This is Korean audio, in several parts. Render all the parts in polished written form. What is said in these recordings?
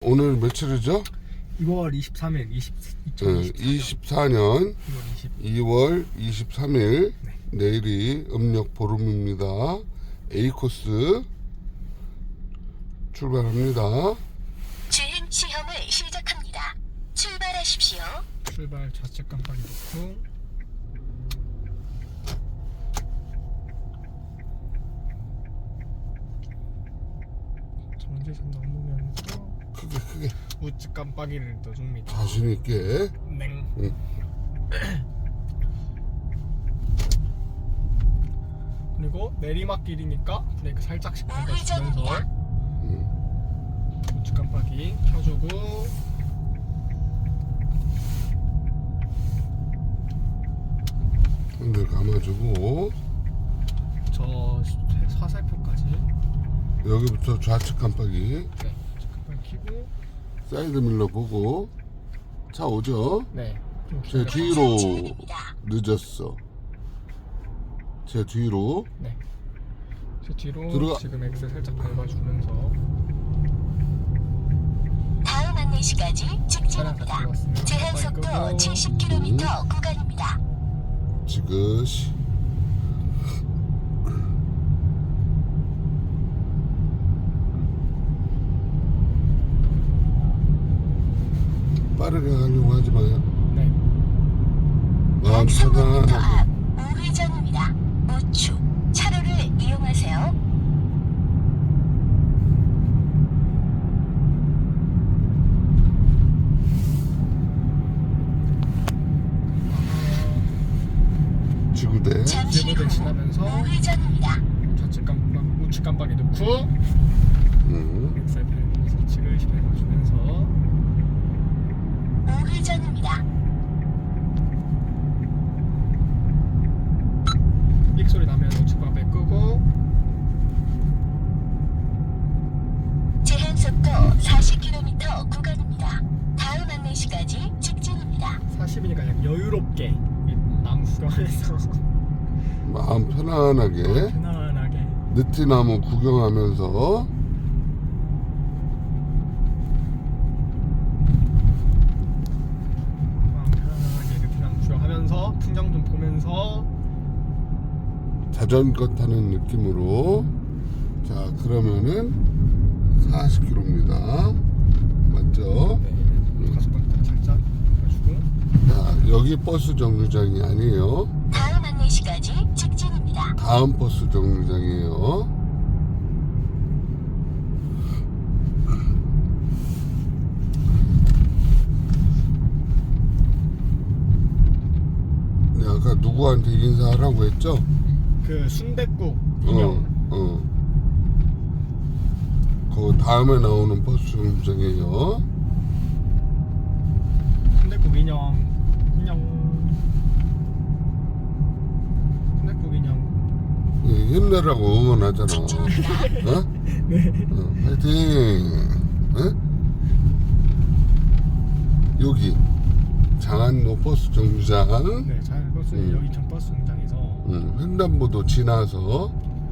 오늘 며칠이죠? 2월 23일 24년 2월 23일 네. 내일이 음력 보름입니다. A코스 출발합니다. 주행 시험을 시작합니다. 출발하십시오. 출발 좌측 깜빡이 놓고 정지선 넘으면서 크게 우측 깜빡이를 넣어줍니다. 자신있게. 냉. 그리고 내리막길이니까 브레이크 살짝씩 밟아주면서 우측 깜빡이 켜주고 핸들 감아주고 저 화살표까지 여기부터 좌측 깜빡이, 네 우측 깜빡이 켜고 사이드 밀러 보고. 차 오죠? 네 좀 제 기다려. 뒤로 늦었어. 제 뒤로. 네. 제 뒤로 들어가. 지금 엑셀 살짝 밟아주면서 다음 안내시까지 차량 다 직진입니다. 들어갔으면 제한 속도 70km 구간입니다. 지그시. 빠르게 가려고 하지 마요. 네. 마음 약 300m 편안하게. 앞 우회전입니다. 우측 차로를 이용하세요. 지구대. 잠시 후 제보대 지나면서 우회전입니다. 좌측 깜빡 우측 깜빡이 넣고 엑셀 밟으면서 지그시 밟아주면서 우회전입니다. 삑 소리 나면 우측 깜빡이 끄고 제한 속도 40km 구간입니다. 다음 안내시까지 직진입니다. 40이니까 그냥 여유롭게 이 나무 구경하면서 마음 편안하게. 편안하게 느티나무 구경하면서. 마음 편안하게 이렇게 나무 구경하면서 풍경 좀 보면서 자전거 타는 느낌으로. 자, 그러면은 40km입니다. 맞죠? 네, 가속방 살짝 해주고 자, 여기 버스 정류장이 아니에요. 다음 안내시까지 직진입니다. 다음 버스 정류장이에요. 네, 아까 누구한테 인사하라고 했죠? 그 순댓국 인형 그 다음에 나오는 버스 정류장이에요. 순댓국 인형 순댓국 인형 예, 힘내라고 응원하잖아. 어? 네. 파이팅! 어? 여기 장안로 버스 정류장. 네, 잘 버스 여기천 버스 공장에서 횡단보도 지나서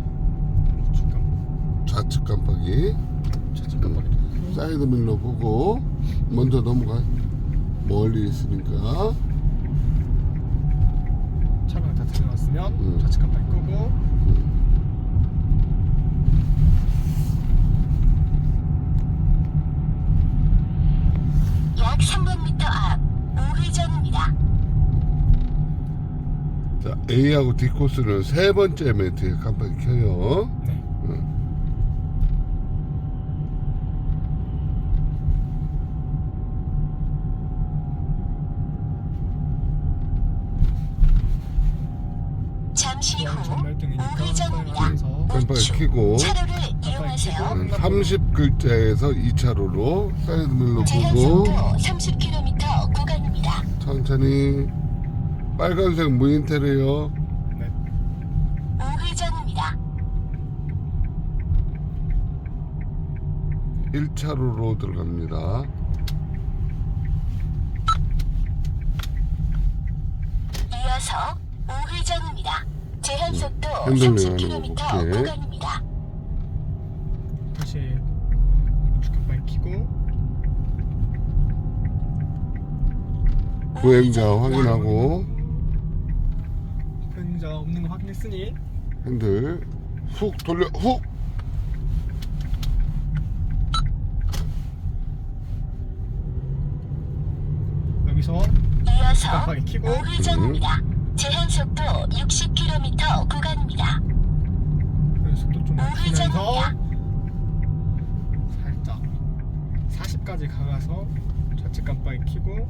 좌측 깜빡이, 좌측 깜빡이 놓고 사이드 밀러 보고. 먼저 넘어가. 멀리 있으니까. 차가 다 들어갔으면 좌측 깜빡이 끄고 약 300m 앞 우회전입니다. 자, A하고 D 코스는 세 번째 매트에 깜빡이 켜요. 네. 잠시 후 전멸등이니까 우회전입니다. 하면서 깜빡이 켜고. 차로를 이용하세요. 30글자에서 2차로로 사이드 밀러 제한 보고. 속도 30km 구간입니다. 천천히. 빨간색 무인텔이에요. 네. 우회전입니다. 1차로로 들어갑니다. 이어서 우회전입니다. 제한 속도 핸들 30km 내려놓고, 구간입니다. 다시 우측 깜빡이 켜고 보행자 확인하고 보행자 없는 거 확인했으니 핸들 훅 돌려 훅. 여기서 이어서 깜빡이 켜고 우회전입니다. 제한 속도 60km 구간입니다. 속도 좀 낮추면서 우회전입니다. 살짝 40까지 가가서 좌측 깜빡이 켜고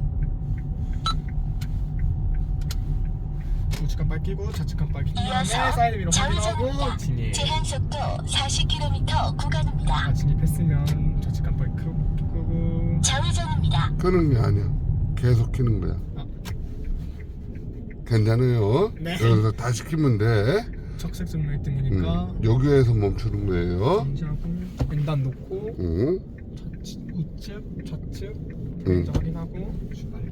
우측 깜빡이 켜고 좌측 깜빡이 킨 다음에 이어서 사이드 미러 확인하고 좌회전입니다. 진입. 제한 속도 40km 구간입니다. 진입했으면 좌측 깜빡이 끄고 좌회전입니다. 끄는 게 아니야. 계속 켜는 거야. 아. 괜찮아요. 네. 그래서 다시 켜면 돼. 적색 증명 1등이니까 여기에서 멈추는 거예요. 정지하고 왼단 놓고 응. 우측 좌측 응. 확인하고 출발.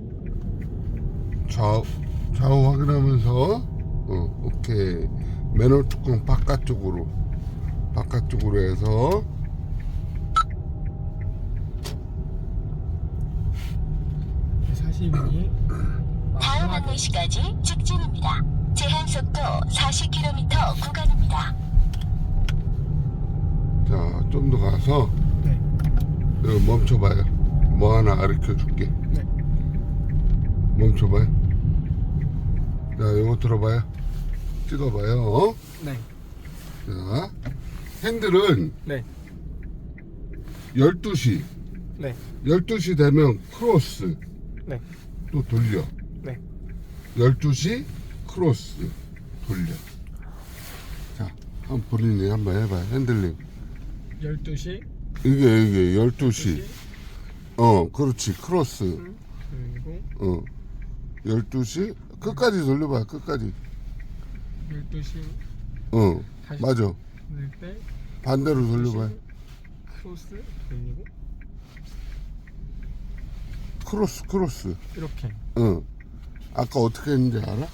좌우 확인하면서 오케이. 맨홀 뚜껑 바깥쪽으로 해서 42분이 다음 안내시까지 직진입니다. 제한 속도 40km 구간입니다. 자, 좀 더 가서 네. 여기 멈춰봐요. 뭐 하나 가르쳐 줄게. 네. 멈춰봐요. 자, 요거 들어봐요. 찍어봐요. 네. 자, 핸들은 네. 12시. 네. 12시 되면 크로스. 네. 또 돌려. 네. 12시 크로스. 돌려. 자, 한번 본인이 한번 해봐요. 핸들링. 12시 이게 12시. 그렇지. 크로스. 그리고 12시. 끝까지 돌려봐. 끝까지. 12시 다시 맞아. 돌릴 때 반대로 돌려봐요. 크로스 돌리고 크로스. 이렇게. 아까 어떻게 했는지 알아?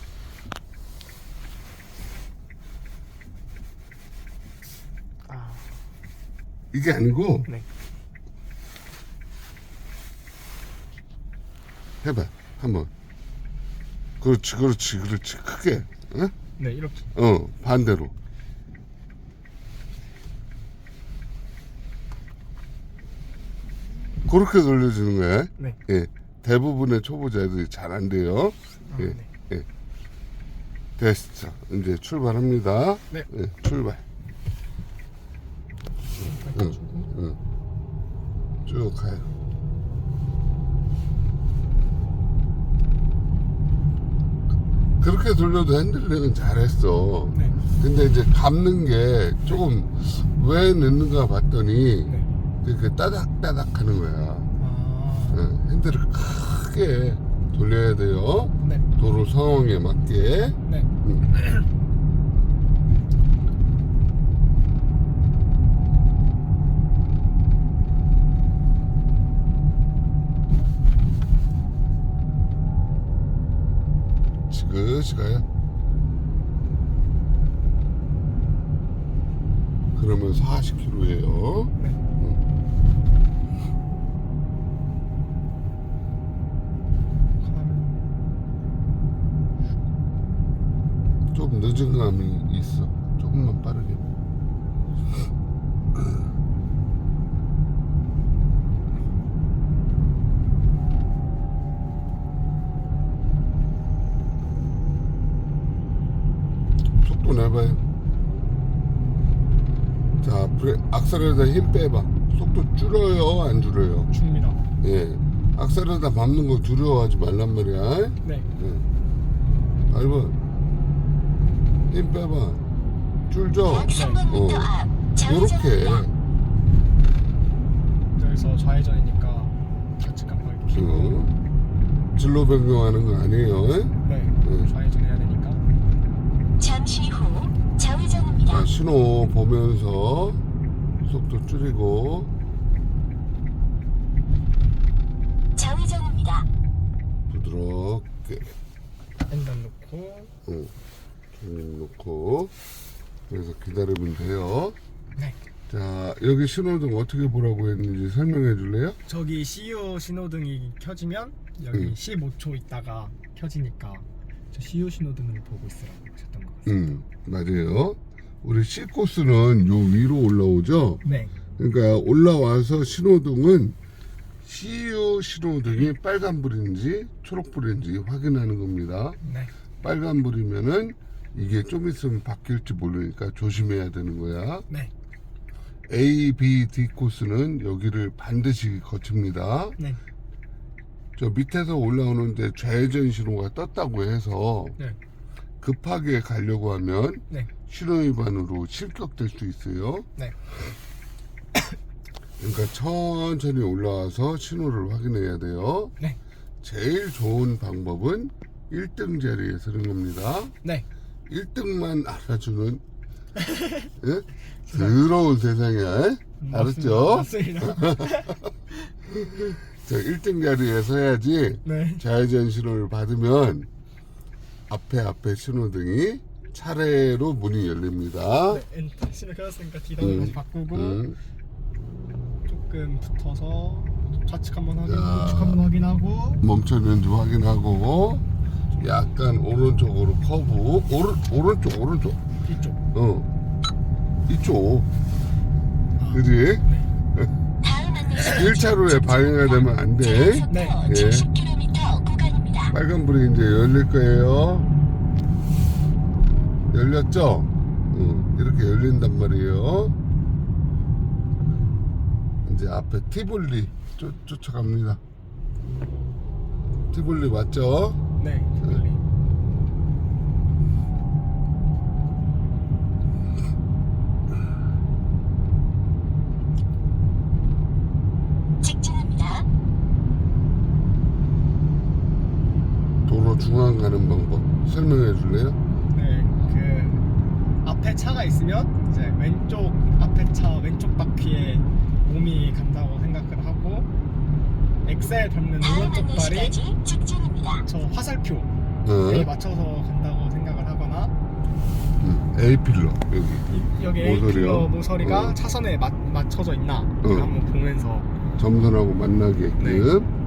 아, 이게 아니고 네. 해봐. 한번. 그렇지. 크게. 응? 네, 이렇게. 반대로. 그렇게 돌려주는 거야. 네. 예. 대부분의 초보자들이 잘 안 돼요. 아, 예. 네. 예. 됐어. 이제 출발합니다. 네. 예, 출발. 응. 쭉 가요. 그렇게 돌려도 핸들링은 잘했어. 네. 근데 이제 감는 게 조금 왜 늦는가 봤더니 네. 그 따닥따닥 하는 거야. 아. 핸들을 크게 돌려야 돼요. 네. 도로 상황에 맞게. 네. 지그시 가요. 그러면 40km예요. 네. 좀 늦은 감이 있어. 조금만 빠르게. 속도 내봐요. 자, 악셀에다 힘 빼봐. 속도 줄여요, 안 줄여요? 줍니다. 예. 악셀에다 밟는 거 두려워하지 말란 말이야. 네. 밟아. 힘 빼봐. 줄죠? 약 300m 앞 요렇게. 좌회전입니다. 여기서 좌회전이니까 좌측 깜빡이 켜고 진로 변경하는 거 아니에요? 네. 좌회전해야 되니까. 잠시 후 좌회전입니다. 자, 신호 보면서 속도 줄이고. 좌회전입니다. 부드럽게. 왼단 놓고 좀 놓고. 그래서 기다리면 돼요. 네. 자, 여기 신호등 어떻게 보라고 했는지 설명해 줄래요? 저기 CU 신호등이 켜지면 여기 15초 있다가 켜지니까 저 CU 신호등을 보고 있으라고 하셨던 것 같습니다. 맞아요. 우리 C 코스는 요 위로 올라오죠. 네. 그러니까 올라와서 신호등은 CU 신호등이 빨간불인지 초록불인지 확인하는 겁니다. 네. 빨간불이면은 이게 좀 있으면 바뀔지 모르니까 조심해야 되는 거야. 네. A, B, D 코스는 여기를 반드시 거칩니다. 네. 저 밑에서 올라오는데 좌회전 신호가 떴다고 해서 네. 급하게 가려고 하면 네. 신호위반으로 실격될 수 있어요. 네. 그러니까 천천히 올라와서 신호를 확인해야 돼요. 네. 제일 좋은 방법은 1등 자리에 서는 겁니다. 네. 1등만 알아주는 예? 더러운 세상이야. 알았죠? 맞습니다. 저 1등 자리에 서야지. 네. 좌회전 신호를 받으면 앞에 신호등이 차례로 문이 열립니다. 네. 엔터 신호 켜졌으니까 D단을 다시 바꾸고 조금 붙어서 좌측 한번 확인, 우측 한번 확인하고 멈췄는지 확인하고 약간 오른쪽으로 커브. 오른쪽. 뒤쪽. 이쪽. 그지? 다음 안내시 1차로에 방해가 되면 안 돼. 제한속도 네. 70km 구간입니다. 빨간불이 이제 열릴 거예요. 열렸죠? 이렇게 열린단 말이에요. 이제 앞에 티볼리 쫓아갑니다. 티볼리 맞죠? 네. 티볼리. 직진합니다. 도로 중앙 가는 방법 설명해 줄래요? 네. 그 앞에 차가 있으면 이제 왼쪽 앞에 차 왼쪽 바퀴에 몸이 간다고 생각을 하고 엑셀 밟는 다음 오른쪽 발이 안내시까지 직진입니다. 저 화살표에 맞춰서 간다고 생각을 하거나 A필러 여기 여기 모서리요? A필러 모서리가 차선에 맞춰져 있나 한번 보면서 점선하고 만나게끔. 네.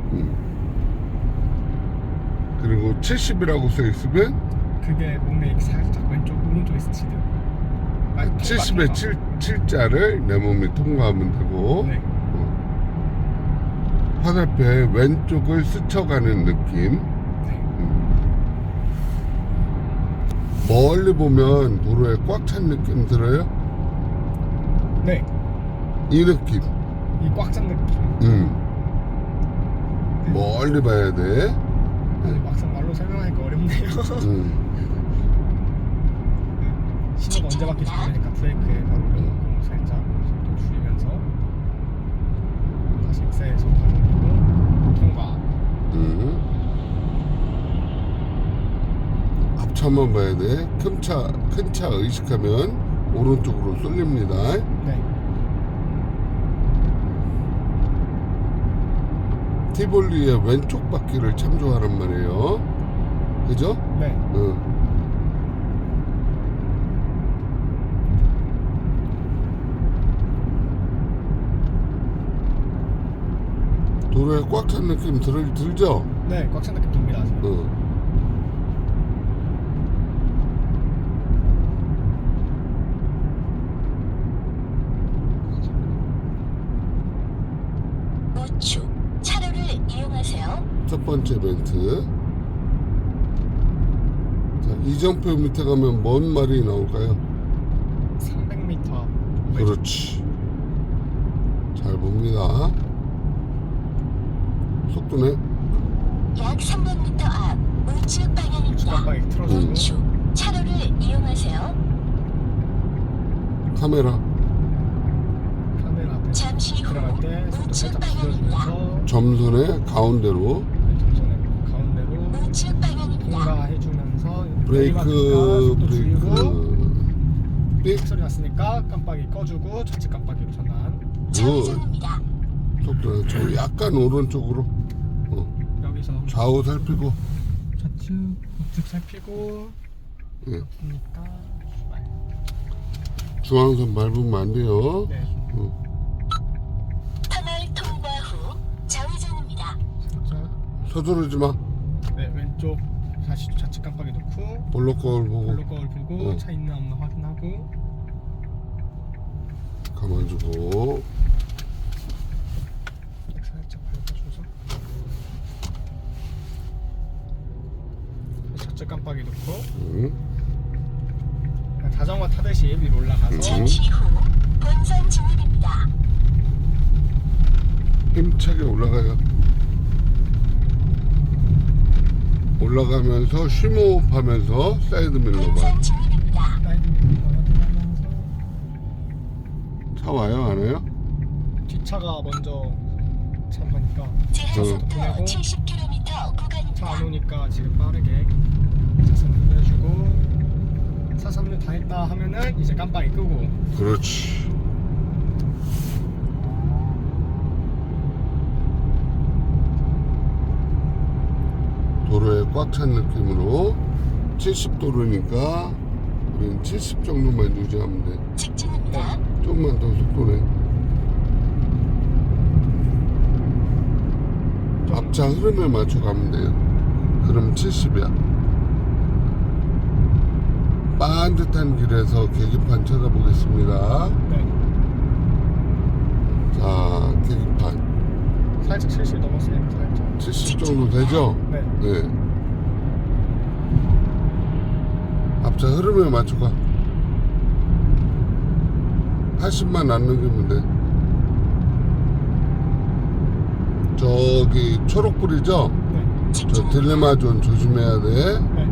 그리고 70이라고 써 있으면 그게 몸에 살짝 오른쪽에 스치듯 70에 7자를 내 몸이 통과하면 되고 네. 화살표의 왼쪽을 스쳐가는 느낌. 네. 멀리 보면 도로에 꽉 찬 느낌 들어요? 네. 이 느낌. 이 꽉 찬 느낌. 멀리 봐야 돼. 아니, 막상 말로 설명하니까 어렵네요. 신호가 언제 바뀔지 모르니까 브레이크에 바로 올려놓고 살짝 속도 줄이면서 다시 엑셀 속도 올리고 통과. 앞차만 봐야 돼. 큰 차 의식하면 오른쪽으로 쏠립니다. 네. 티볼리의 왼쪽 바퀴를 참조하란 말이에요. 그죠? 네. 도로에 꽉 찬 느낌 들죠? 네, 꽉 찬 느낌 듭니다. 지금. 우측 차로를 이용하세요. 첫 번째 멘트. 자, 이정표 밑에 가면 뭔 말이 나올까요? 300m. 그렇지. 잘 봅니다. 속도네. 약 300m 앞 우측 방향입니다. 깜빡이 틀어주고 우측 차로를 이용하세요. 카메라 앞에 잠시 후 들어갈 때 속도 우측 살짝 방향입니다. 줄여주면서 점선의 가운데로 점선에 가운데로 우측 방향입니다. 통과해주면서 브레이크 속도 줄이고 삑 소리 났으니까 깜빡이 꺼주고 좌측 깜빡이로 전환. 좌회전입니다. 속도 저 약간 오른쪽으로 여기서 좌우 살피고 좌측 우측 살피고 예. 없으니까 중앙선 밟으면 안 돼요. 네. 터널 통과 후 좌회전입니다. 살짝. 서두르지 마. 네, 왼쪽 다시 좌측 깜빡이 놓고 볼록 거울 보고 블루 거울 보고 어. 차 있나 없나 확인하고 감아주고. 살짝 밟아줘서 좌측 깜빡이 놓고 응. 자전거 타듯이 위로 올라가서 잠시 후 본선 진입입니다. 힘차게 올라가요. 올라가면서 쉼호흡하면서 사이드 밀러 봐. 본선 진입입니다. 사이드 미러 확인하면서 차 와요 안 와요? 뒷차가 먼저 참가니까 제한 속도 보내고 70km 차 안 구간입니다. 오니까 지금 빠르게 차선 돌려주고 차선을 다 했다 하면은 이제 깜빡이 끄고 그렇지. 도로에 꽉 찬 느낌으로 70도로니까 우리는 70 정도만 유지하면 돼. 직진입니다. 좀만 더 속도내. 앞차 흐름에 맞춰 가면 돼요. 그럼 70이야. 반듯한 길에서 계기판 찾아보겠습니다. 네. 자, 계기판 살짝 70 넘었으니까 살짝 70 정도 되죠? 네. 네. 앞차 흐름에 맞춰 가. 80만 안 넘기면 돼. 저기 초록불이죠? 네. 저 직진입니다. 딜레마존 조심해야 돼. 네.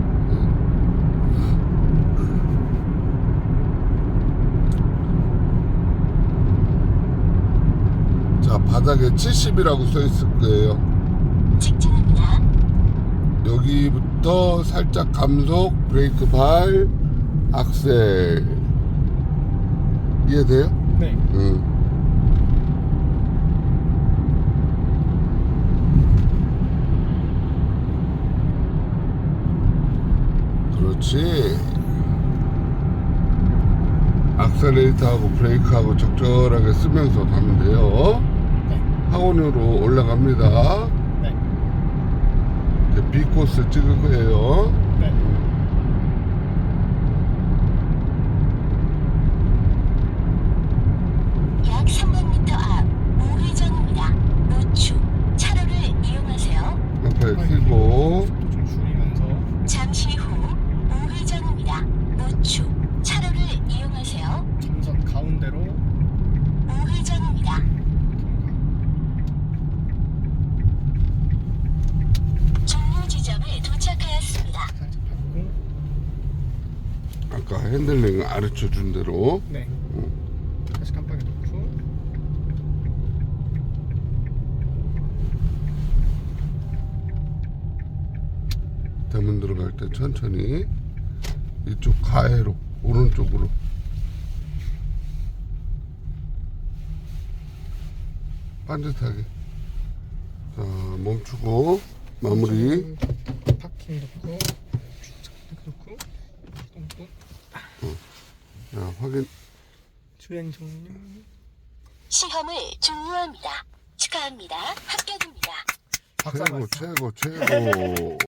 자, 바닥에 70이라고 써 있을 거예요. 직진입니다. 여기부터 살짝 감속, 브레이크 발, 악셀. 이해돼요? 네. 응. 그렇지. 악셀레이터하고 브레이크하고 적절하게 쓰면서 가면 돼요. 네. 하원으로 올라갑니다. 네. 이제 B 코스 찍을 거예요. 네. 약 300m 앞 우회전입니다. 우측 차로를 이용하세요. 앞에 끼고 속도 좀 줄이면서 잠시 후 우회전입니다. 우측 차로를 이용하세요. 점선 가운데로 우회전입니다. 종료 지점에 도착하였습니다. 살짝 밟고 아까 핸들링 가르쳐 준 대로 네. 다시 깜빡이 놓고 대문 들어갈 때 천천히 이쪽 가해로 오른쪽으로 반듯하게. 자, 멈추고 마무리. 파킹 놓고 주차장 놓고 똥똥 자, 확인. 주행 종료. 시험을 종료합니다. 축하합니다. 합격입니다. 박수 최고 한번 최고 최고.